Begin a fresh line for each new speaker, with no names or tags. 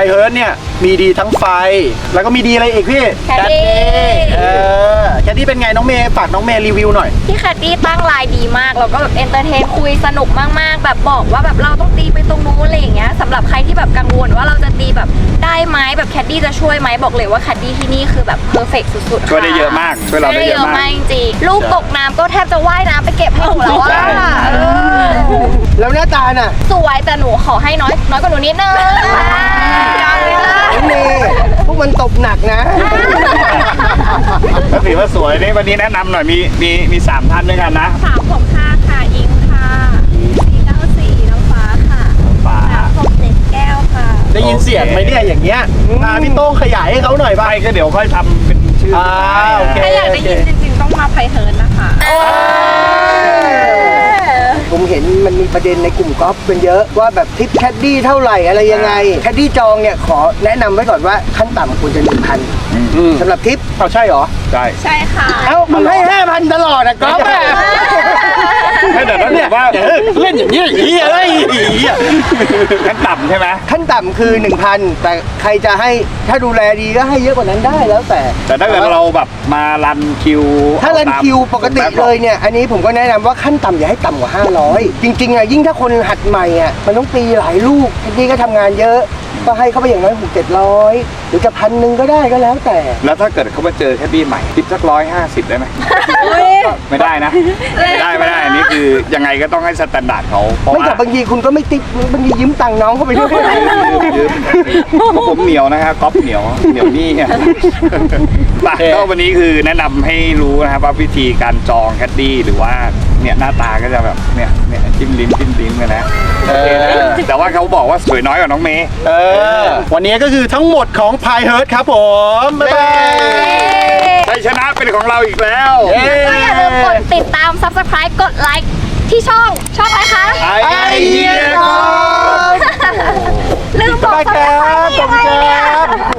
เฮิร์ตเนี่ยมีดีทั้งไฟแล้วก็มีดีอะไรอีกพี่
แคดดี้
แคดดี้เป็นไงน้องเมย์ฝากน้องเมย์รีวิวหน่อย
พี่แคดดี้ตั้งไลน์ดีมากแล้วก็แบบเอนเตอร์เทนคุยสนุกมากๆแบบบอกว่าแบบเราต้องตีไปตรงนู้นอะไรอย่างเงี้ยสำหรับใครที่แบบกังวลว่าเราจะตีแบบได้ไหมแบบแคดดี้จะช่วยไหมบอกเลยว่าแคดดี้ที่นี่คือแบบเพอร์เฟกต์สุดๆ
ช่วยได้เยอะมากช่วยเราได้เยอะมาก
จริงๆลูกตกน้ำก็แทบจะว่ายน้ำไปเก็บให้หนูแล้วว่า
แล้วหน้าตาน่ะ
สวยแต่หนูขอให้น้อยกว่าหนูนิดนึง
นี่พวกมันตบหนักนะ
ก็ถือว่าสวยนี่วันนี้แนะนำหน่อยมี3ท่านด้วยกันนะ
365ค่ะอิงค่ะ494น้ำฟ้าค่ะ
ฟ้า
367แก้วค่ะ
ได้ยินเสียงไหมเนี่ยอย่างเงี้ยพี่โต้งขยายให้เขาหน่อยบ้าง
ไม่ก็เดี๋ยวค่อยทำเป็นชื่อ
โอเค
ถ้าอยากได้ยินจริงๆต้องมาไพเฮิร์นนะคะ
ผมเห็นมันมีประเด็นในกลุ่มกอล์ฟกันเยอะว่าแบบทิปแคดดี้เท่าไหร่อะไรยังไงแคดดี้จองเนี่ยขอแนะนำไว้ก่อนว่าขั้นต่ำควรจะ 1,000สำหรับทิป
เอาใช่เหรอ
ใช่
ใช่ค่ะ
เอ้ามึงให้ 5,000 ตลอดอะกอล์ฟอะ
ไม่แต่ถ้าเกิดว่า
เล่นอย่างนี้อย่างนี้อะไร
ขั้นต่ำใช่ไหม
ขั้นต่ำคือ 1,000 แต่ใครจะให้ถ้าดูแลดีก็ให้เยอะกว่านั้นได้แล้วแต่
แต่ถ้าเกิดเราแบบมารันคิว
ถ้ารันคิวปกติเลยเนี่ยอันนี้ผมก็แนะนำว่าขั้นต่ำอย่าให้ต่ำกว่า 500 จริงๆอะยิ่งถ้าคนหัดใหม่อะมันต้องตีหลายลูกทีนี้ก็ทำงานเยอะก็ให้เข้าไปอย่างน้อย600-700หรือจะ1,000ก็ได้ก็แล้วแต่
แล้วถ้าเกิดเขามาเจอแคดดี้ใหม่คิดสัก150ได้ไหมไม่ได้นะไม่ได้อันนี้คือยังไงก็ต้องให้สแตนดาร์ดเขาเพราะ
ไม่
ว่า
แต่บางทีคุณก็ไม่ติ๊บบางทียืมตังค์น้องเข้าไปด้วย
ยืมผมเหนียวนะครับก๊อฟเหนียวนี่ไงก็วันนี้คือแนะนำให้รู้นะครับว่าวิธีการจองแคดดี้หรือว่าเนี่ยหน้าตาก็จะแบบเนี่ยจิ้มลิ้มกันนะแต่ว่าเขาบอกว่าสวยน้อยกว่าน้องเมย์
วันนี้ก็คือทั้งหมดของพายเฮิร์ตครับผม บ๊ายบาย
ชัยชนะเป็นของเราอีกแล้ว
ก็อย่าลืมกดติดตาม Subscribe กดไลค์ที่ช่องอะไรคะ
ไอเดียครับ
ลืมบอก
บ๊ายบายครับ
Subscribe ยังไงเนี่ย
ขอบคุณครับ